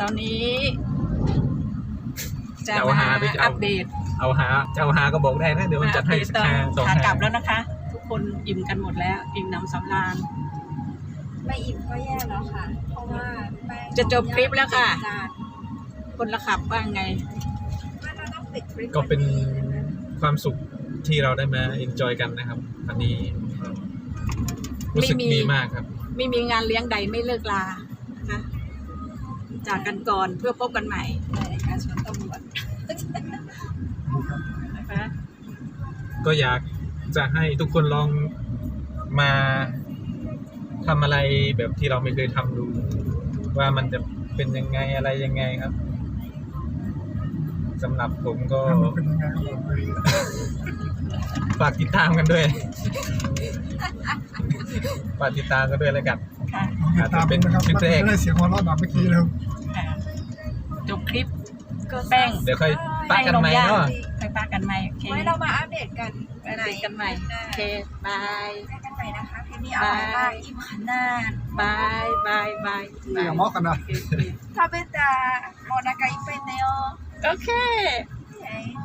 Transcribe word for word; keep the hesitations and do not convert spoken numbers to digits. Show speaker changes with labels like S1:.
S1: อนนี้จะ
S2: เอา
S1: มา
S2: หาไปเอา
S1: อัปเดต
S2: เอาหาเจ้าหาก็บอกได้นะเดี๋ยวมันจัดให้สัก
S1: ตอน
S2: ห้าสอง
S1: ขากลับ
S2: ห้า
S1: แล้วนะคะ ทุกคนอิ่มกันหมดแล้ว อิ่มหนำสำราญ
S3: ไม่อิ่มก็แย่แล้วค่ะ เพราะว่าแป้ง
S1: จะจบคลิปแล้วค่ะ
S3: จาน
S1: คนละขับว่าไง
S3: ว่าเราต้องปิดคลิป
S2: ก็เป็นความสุขที่เราได้มาเอนจอยกันนะครับอันนี้รู้สึก
S1: ไม่มี
S2: ดีมากครับ
S1: ไม่มีงานเลี้ยงใดไม่เลิกลานะคะจากกันก่อนเพื่อพบกันใหม่
S3: ในการชวนตำรวจ
S1: นะคะ
S2: ก็อยากจะให้ทุกคนลองมาทำอะไรแบบที่เราไม่เคยทำดู ว่ามันจะเป็นยังไงอะไรยังไงครับสำหรับผมก็
S4: เป็นยังไงก็บอกเลย
S2: ฝากติดตามกันด้วย ฝากติดตามกันด้วยแล้วกัน
S1: ค่ะ
S2: อาจจะเป็น
S4: นะครับ
S2: คลิป
S4: มัน
S2: แรก
S4: จะได้เสียงหัวเราะแบบเมื่อกี้เลย
S1: ค่ะจบคลิปแป้ง
S2: เดี๋ยวค่อยปักกันใหม่เนาะ
S1: ไปปากันใหม่โอเค
S3: ไว้เรามาอัปเดตกัน
S1: ไปเจอกันใหม่โอเคบาย
S3: ไปกันใหม่นะคะเพลงนี้อร่อยมากอิ่มขนาด
S1: บายบายบาย
S4: อย่าเมาะกันนะ
S1: โอเคโอเค
S3: 食べたもうお腹いっぱいだよ。
S1: โอเค
S3: はい